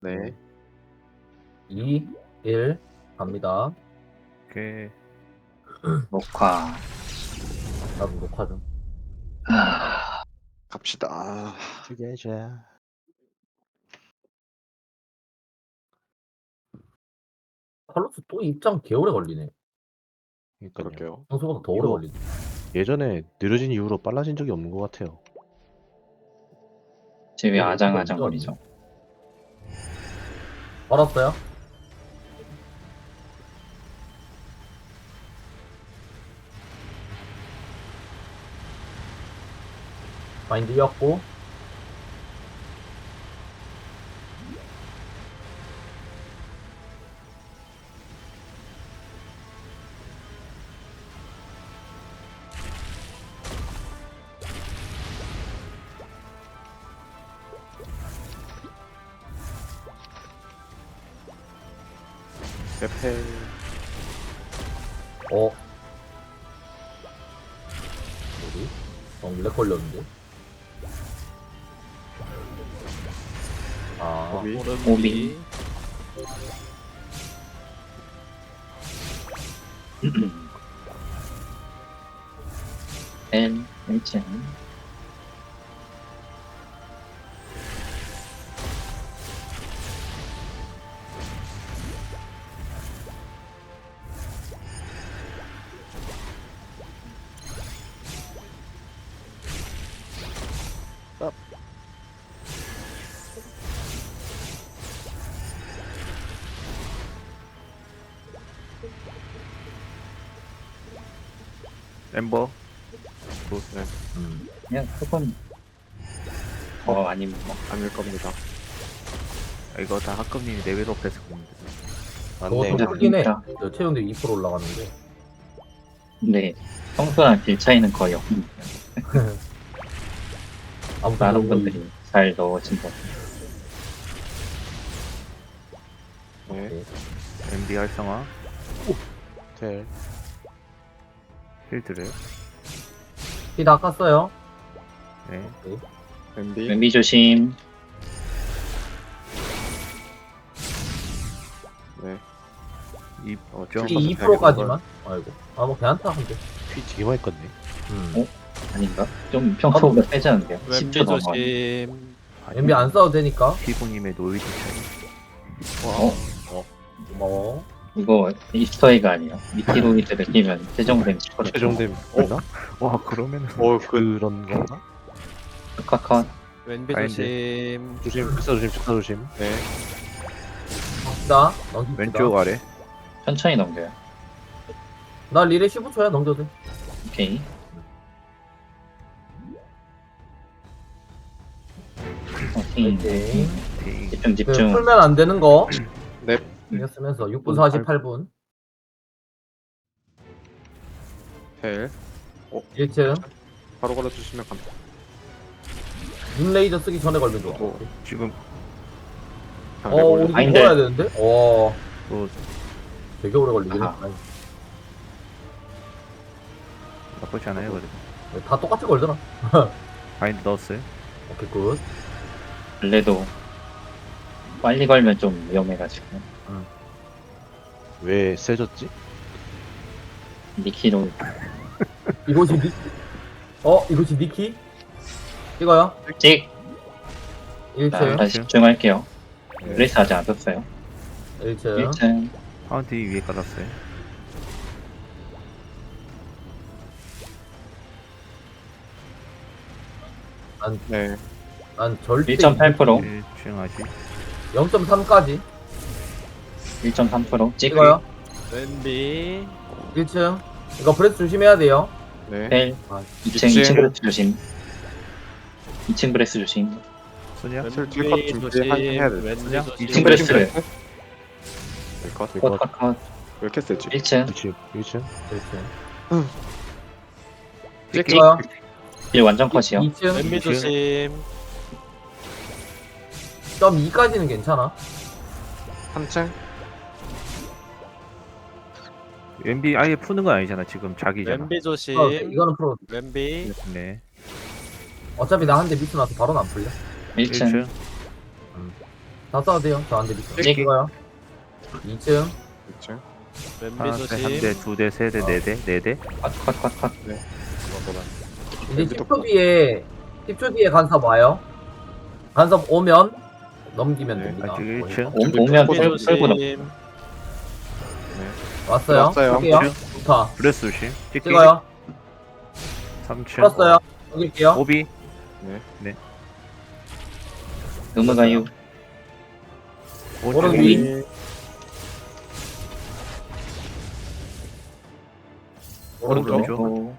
네. 2, 1 갑니다. 오케이. 녹화. 나도 녹화 좀. 갑시다. 죽여줘. 칼로스 또 입장 개오래 걸리네. 그러니까요. 그럴게요. 평소보다 더 오래 이거- 걸리네. 예전에 느려진 이후로 빨라진 적이 없는 것 같아요. 지금 왜 이거 아장아장거리죠? 알았어요? 마인드였고 에페. 뭐지? 렉 걸렸는데? 아, 오비. 오비. L, H, 엠버. 네. 그냥 조금 아니면 뭐 아닐 겁니다. 이거 다 학급님이 레벨업 해서 겁니다. 그거 맞네. 좀 크긴 해. 진짜. 저 체온도 2% 올라갔는데. 근데 평소랑 길 차이는 거의 없는 아무튼 많은 뭐 분들이 잘 넣어진다. 네. MD 활성화. 텔. 필드를. 피다 깠어요. 네. MB. 왼비 조심. 네. 이 좀- 피 2%까지만. 아이고. 아, 뭐 괜찮다 근데. 피 되게 많이 껐네. 음. 아닌가? 좀 평소보다 빼지 않은데요? 10초 넘어. 조심. MB 안 써도 되니까. 피부님의 노이즈 차이. 고마워. 이거 이스터에그 아니에요? 미티로이드를 끼면 최종 데미지 커져. 최종 되나? 와 그러면은 그런 건가? 카카. 왼비 마인드. 조심. 조심, 불사 조심, 축사 조심. 네. 갑시다. 넘깁시다. 왼쪽 아래. 천천히 넘겨요. 나 리레 15초야 넘겨도 돼. 오케이. 오케이. 오케이. 딩. 집중 그 집중. 풀면 안 되는 거. 네. 신경 쓰면서 6분 48분. 텔. 1층. 바로 걸어주시면 감. 눈 레이저 쓰기 전에 걸면 좋아. 또 지금 방패 우리 올려. 마인드. 걸어야 되는데? 또 되게 오래 걸리긴 아하. 했다. 나쁘지 않아요 그래도. 다 똑같이 걸더라. 바인드 넣었어요. 오케이, 굿. 원래도 빨리 걸면 좀 위험해가지고. 왜 세졌지? 니키로 이곳이 이곳이 니키? 찍어요. 찍! 1층. 다시 집중할게요. 네. 레이스 아직 안 썼어요. 1층. 1층. 파운티 위에 깔았어요. 네. 난 절대 1.8%. 1층 아직. 0.3까지 1.3% 찍. 찍어요. 왼비. 1층. 이거 브레스 조심해야 돼요. 네. 텔. 아, 2층 2층 브레스 조심. 2층 브레스 조심. 소냐? 슬 딜컷 왼비 준비해야 돼. 왼비 그냥 조심. 2층 브레스를. 딜컷. 컷컷컷. 왜 이렇게 세지? 1층. 1층, 1층. 1층. 찍. 찍어요. 1 완전 컷이요. 2층. 왼비 조심. 0.2까지는 괜찮아. 3층. MB 아예 푸는 건 아니잖아 지금 자기잖아. 왼비 조심. 이거는 프로. 왼비. 네. 어차피 나 한 대 미스 나서 바로는 안 풀려. 1층. 1층. 다 써도 돼요. 저 안 드릴게요. 찍기. 찍어요. 2층. 2층. 왼비 하나, 한 조심. 대, 두 대, 세 대, 네 대, 네 대. 컷. 이제 10초 뒤에 간섭 와요. 간섭 오면 넘기면 네, 됩니다. 아직 1층. 오면 왼비 털고 넘. 조심. 왔어요. 왔어요. 볼게요. 1층. 좋다. 브레스 조심. 찍기. 찍어요. 3층. 풀었어요. 넘길게요. 오비. 넘어가요. 오른 오른쪽 위. 오른쪽. 오른쪽. 오,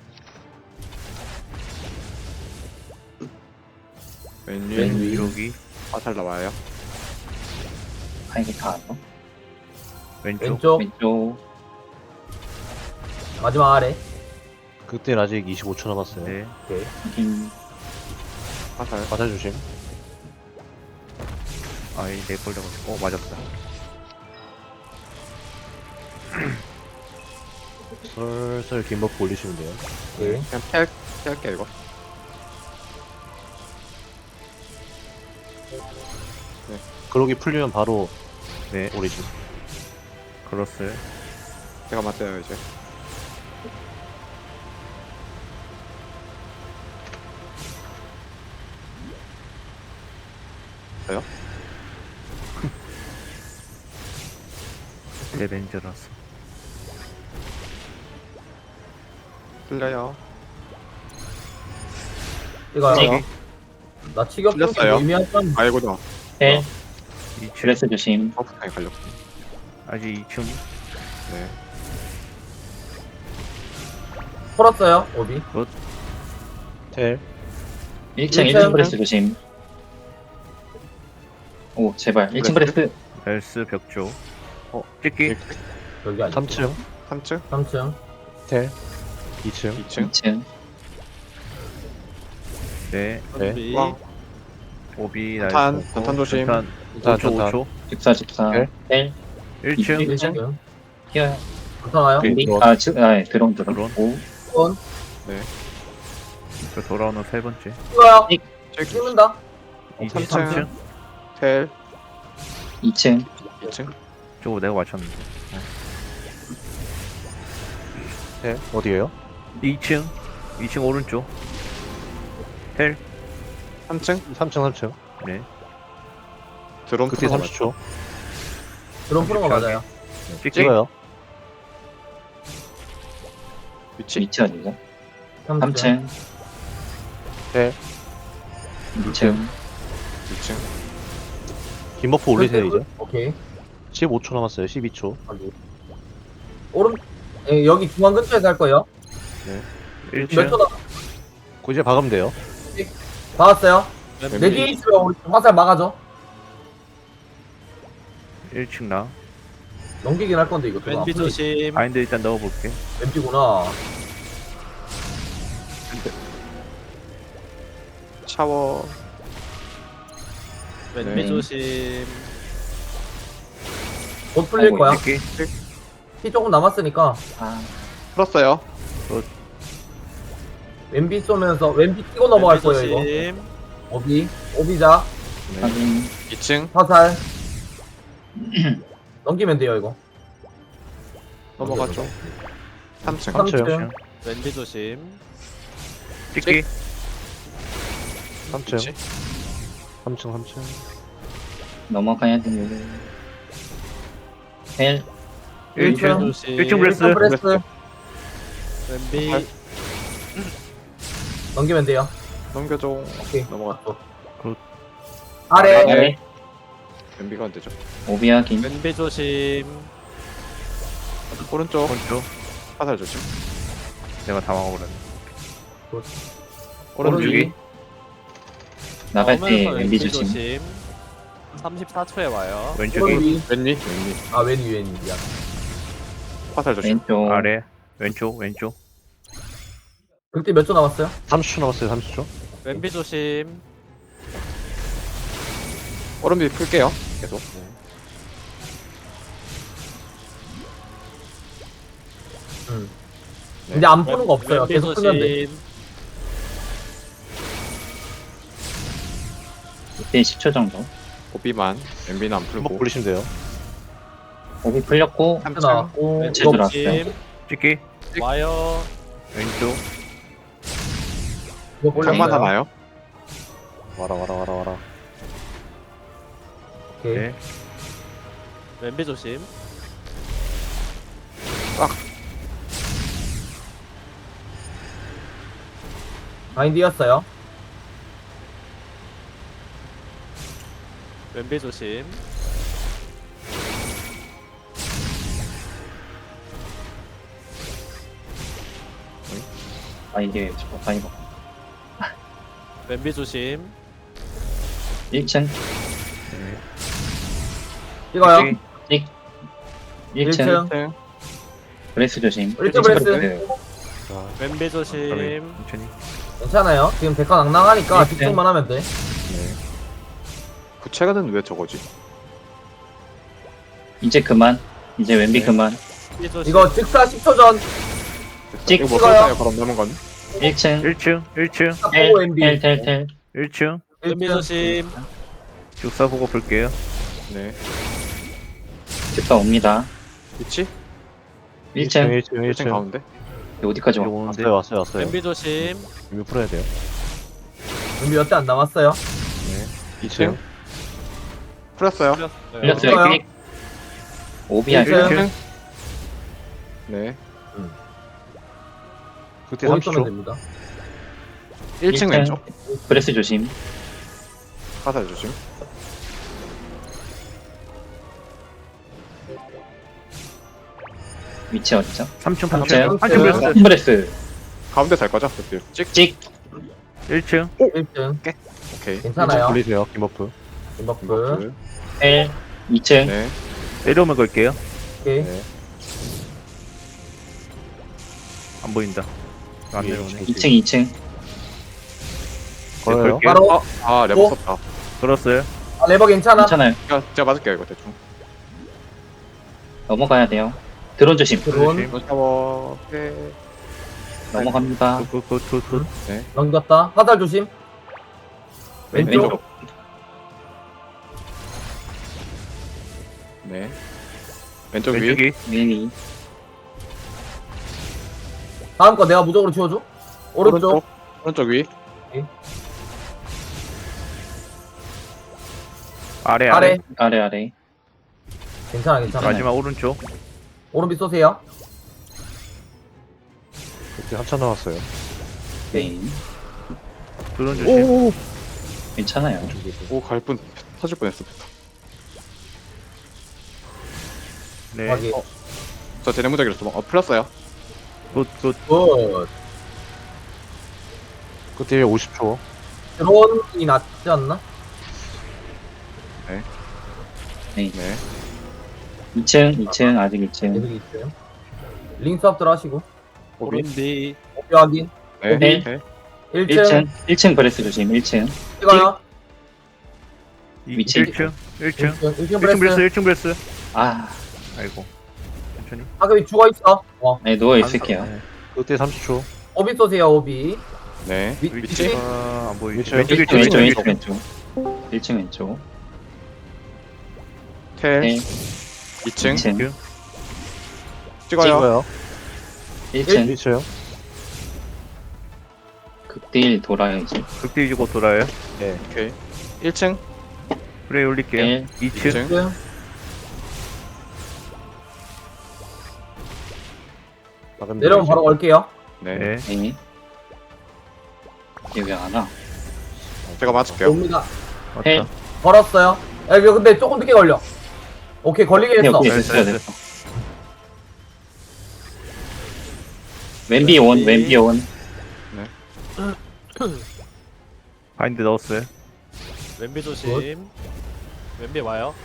왼위. 왼위. 여기. 화살 나와요. 아, 이게 다 안 넣어? 왼쪽. 왼쪽. 왼쪽. 마지막 아래. 그때는 아직 25초 남았어요. 네. 오케이. 확인. 화살. 화살 조심. 아이, 내 걸려가지고. 맞았다. 슬슬 긴 버프 올리시면 돼요. 오케이. 그냥 피할게 이거. 그러기 풀리면 바로 네. 오리진. 걸었어요. 제가 맞아요 이제. 저요? 레벤저라서. 틀려요. 찍어요. 찍기. 나 치격 틀렸어요. 좀 의미하던 아이고다. 헬. 2층. 브레스 조심. 버프탕에 갈렸고. 아직 2층. 네. 풀었어요. 오비. 텔. 1층 일층. 브레스 조심. 오, 제발. 1층 브레스. 벨스 벽조. 찍기. 여기 아니고. 3층. 3층. 3층. 텔. 2층. 2층. 2층. 네. 왼비. 왕. 오비 탄, 나이스. 탄 조심. 탄. 탄, 5초, 탄. 5초. 14. 헬. 헬. 1층. 1층. 튀어요. 괜찮아요. 왼비. 드론. 아, 네, 드론. 드론. 오. 손. 저 돌아오는 세 번째. 찍어요. 찍기. 찍는다. 2층. 3층. 텔. 2층. 2층. 저거 내가 맞췄는데. 텔. 어디에요? 2층. 2층 오른쪽. 헬. 3층. 3층, 3층. 네. 드론 그때 프로가 30초. 드론 푸는 거 맞아요. 찍기. 찍어요. 위치. 위치 어디죠? 3층. 3층. 텔. 2층. 2층. 긴 버프 올리세요, 이제. 오케이. 15초 남았어요. 12초. 여기. 오른. 예, 여기 중앙 근처에서 할 거예요. 몇 1층. 초 남? 그 이제 박으면 돼요. 박았어요. 왼비. 내 뒤에 있으면 우리 화살 막아줘. 1층 나. 넘기긴 할 건데 이거. 또 왼비 조심. 바인드 일단 넣어볼게. 왼비구나. 샤워. 왼비 네. 조심. 곧 풀릴 아이고, 거야. 찍기. 피 조금 남았으니까 아, 풀었어요. 왼비 쏘면서 왼비 뛰고 넘어갈 왼비 거예요 이거. 조심. 오비. 오비자. 네. 확인. 2층. 화살. 넘기면 돼요 이거. 넘어갔죠. 3층. 3층. 왼비 조심. 찍기. 3층. 위치. 3층, 3층. 넘어가야 됩니다. 헬. 1층. 조심. 1층 브레스. 브레스. 왼비. 넘기면 돼요. 넘겨줘. 오케이. 넘어갔어. 아래. 아래. 연비가 안 되죠. 오비 확인. 왼비 조심. 오른쪽. 오른쪽. 화살 조심. 내가 다 막아버렸네. 오른쪽이. 나갈 때 오면서 왼비 조심. 34초에 와요. 왼쪽이. 왼비. 왼위. 아 왼위 미안. 화살 조심. 왼쪽. 아래. 왼쪽. 왼쪽. 그때 몇 초 남았어요? 30초 남았어요, 30초. 왼비 조심. 오른비 풀게요. 계속. 네. 이제 안 푸는 거 없어요. 왼비 계속 풀면 돼. 조심. 이때 10초 정도. 오비만. 엠비는 안 한번 풀고. 굴리시면 돼요. 오비 풀렸고 3층. 나왔고 왼쪽 이거 들어왔어요. 조심. 찍기. 와요. 왼쪽. 이거 장만 볼래요? 하나요? 와라. 오케이. 네. 왼비 조심. 마인드였어요. 왼비 조심. 아 이게 저거 많이 먹 왼비 조심. 1층 이거요. 찍기. 1층 1층. 브레스 조심. 1층 브레스. 네. 자, 왼비 조심. 천천히. 괜찮아요. 지금 데카 낭낭하니까 1층. 집중만 하면 돼. 구체가는 왜 저거지? 이제 그만. 이제 왼비 네. 그만. 왼비 조심. 이거 직사 10초 전 찍. 이거 뭐 찍어요. 썼어요? 그럼 남은 건? 1층 1층. 보고 MB. 텔 1층. 왼비 1층. 조심. 죽사 보고 볼게요. 네. 집사 옵니다. 위치? 1층 1층 가운데? 어디까지 와? 오는데. 왔어요. 왼비 조심. 이미 풀어야 돼요. 준비 몇 대 안 남았어요. 2층. 풀었어요. 풀렸어요. 풀렸어요. 픽. 오비 할 1층. 네. 그때 거기 쏘면 30초. 됩니다. 1층 왼쪽. 브레스 조심. 화살 조심. 위치 어디죠? 3층 삼층. 3층 브레스. 큰 브레스. 가운데 살 거죠? 그때 찍. 찍. 1층. 1층. 오케이. 괜찮아요. 굴리세요. 김버프. 김버프. 텔 2층 네. 내려오면 걸게요. 오케이. 네. 안 보인다. 안 내려오네. 2층 걸어요. 걸게요. 바로 아, 레버 어? 썼다. 걸었어요. 아, 레버 괜찮아. 괜찮아요. 제가 맞을게요, 이거 대충. 넘어가야 돼요. 드론 조심. 드론 조심. 샤워. 오케이. 넘어갑니다. 굿. 넘겼다. 화살 조심. 왼쪽. 네. 왼쪽 위. 왼쪽이. 미니 다음 거 내가 무적으로 지워줘. 오른쪽. 오른쪽 위. 아래. 아래. 아래 괜찮아. 마지막 오른쪽. 오른비 쏘세요. 그때 한참 남았어요. 네 드론 조심. 괜찮아요. 오, 갈 뻔, 터질 뻔했어. 네. 확인. 저 제네 무적이로 풀었어요. 굿. 굿. 그때 50초. 드론이 낫지 않나? 네. 2층 아직 2층. 계속 있어요. 링 수업들 하시고. 오비. 오른비. 오비 확인. 네. 오비. 오케이. 1층. 1층 브레스 조심. 1층 찍어요. 위치. 1층. 1층 1층 브레스. 브레스. 1층 브레스. 아, 아이고. 천천히. 하급이 죽어있어. 네 누워 있을게요. 네. 그때 30초. 오비 쏘세요, 오비. 네. 위- 위치. 위치? 안 보이지. 위치. 왼쪽 1층 1층. 왼쪽 왼쪽. 1층 왼쪽. 텔. 네 2층. 2층 찍어요. 1층 1층. 극딜 돌아야지. 극딜지고 돌아요. 오케이. 1층. 프레이 올릴게요. 네 2층. 2층. 1층. 내려오면 바로 걸게요. 네. 네. 네 여기 안 와. 제가 맞을게요. 옵니다. 헬. 맞다. 걸었어요. 야, 이거 근데 조금 늦게 걸려. 오케이, 걸리긴 네 했어. 오케이 됐어요 됐어. 왼비 온 왼비 온. 바인드 넣었어요. 왼비 조심. 왼비 와요.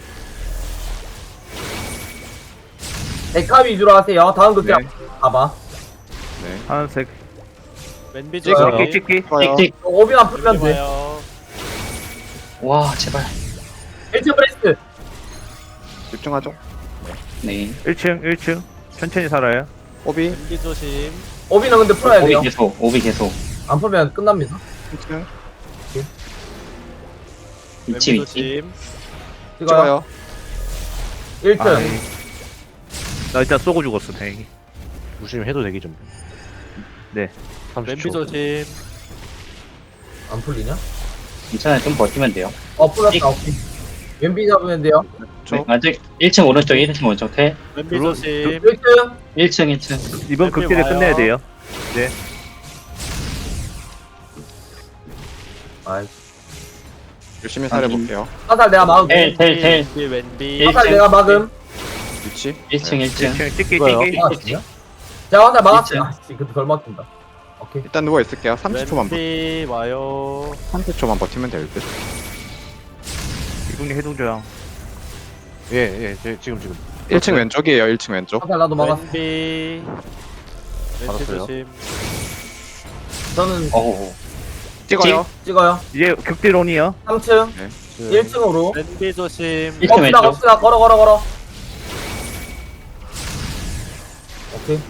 데카 위주로 하세요. 다음 극장 네. 봐봐. 네. 하얀색. 왼비 찍어요. 조심. 찍기. 찍어요. 찍찍. 오비만 풀면 왼비 돼. 와요. 와 제발. 1층 브레스트. 집중하죠. 네 1층. 천천히 살아요. 오비. 왼비 조심. 오비는 근데 풀어야 돼요. 오비 계속. 안 풀면 끝납니다. 1층. 위치 왼비 위치. 조심. 찍어요. 찍어요. 1층. 아이. 나 일단 쏘고 죽었어 다행히. 무심 해도 되기 좀. 네. 30초. 왼비 조심. 안 풀리냐? 괜찮아요. 좀 버티면 돼요. 풀렸다. 오케이. 왼비 잡으면 돼요. 저 아직 1층 오른쪽, 1층 오른쪽 태. 왼비 들어- 조심. 1층. 1층, 1층. 이번 왼비 극딜에 와요. 끝내야 돼요. 아이. 열심히 살해볼게요. 화살 내가 막음. 텔. 왼비 왼비. 일- 화살 내가 막음. 위치. 1층, 1층. 그냥 찍기 이거요? 찍기. 막았어요? 자, 화살 막았어. 일층. 아씨, 근데 덜 막힌다. 오케이. 일단 누워 있을게요. 30초만 왼비 와요. 30초만 버티면 될 듯. 이분이 해동조양. 예, 지금. 1층 왼쪽이에요. 1층 왼쪽. 화살 나도 막았어. 왼비. 왼비 알았어요. 조심. 저는 어우. 찍어요. 찍어요. 이제 극딜온이요. 3층. 네. 1층으로. 왼비 조심. 1층 갑시다, 왼쪽. 갑시다. 걸어. 오케이.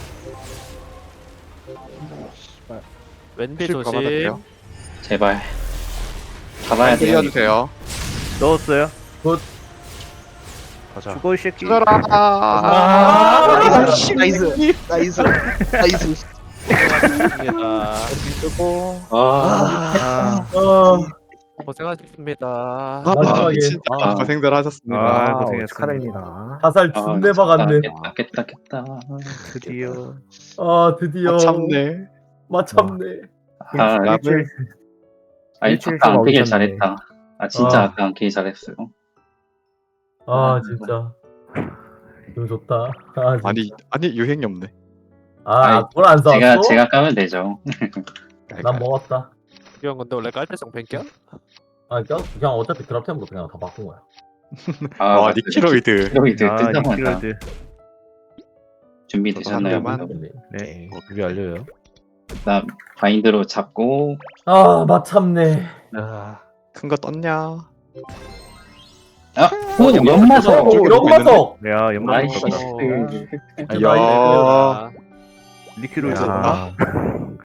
왼비 실 조심. 받아줄게요. 제발. 가봐야 돼요. 살려주세요. 넣었어요. 가자. 죽어 이 새끼. 죽어라. 나이스. 나이스. 고생하셨습니다. 쓰고. 아, 고생하셨습니다. 마지막에. 진짜 아. 고생들 하셨습니다. 아, 고생했습니다. 축하드립니다. 화살 아, 준대 박았네. 깼다. 드디어. 드디어. 참네. 마참네. 아, 랍을 아니, 일주일 아까 안 동안 깨길 오셨네. 잘했다. 아, 진짜 아. 아까 안 깨길 잘했어요. 진짜. 너무 좋다. 진짜. 아니 유행이 없네. 아니, 그걸 안 사왔어? 제가 까면 되죠. 난 먹었다. 이건 근데 원래 깔때정 뱅겨? 그냥 어차피 드랍템으로 그냥 다 바꾼 거야. 아, 와 니키로이드. 니키로이드 아, 뜬다마자 니키로이드. 준비되셨나요? 저도 한 여러분? 네. 준비 완료요. 나 바인드로 잡고 마참네. 큰 거 떴냐? 오, 연마석. 오, 연마석. 야, 연말. 나이스. 야. 아, 니키로이드. 야.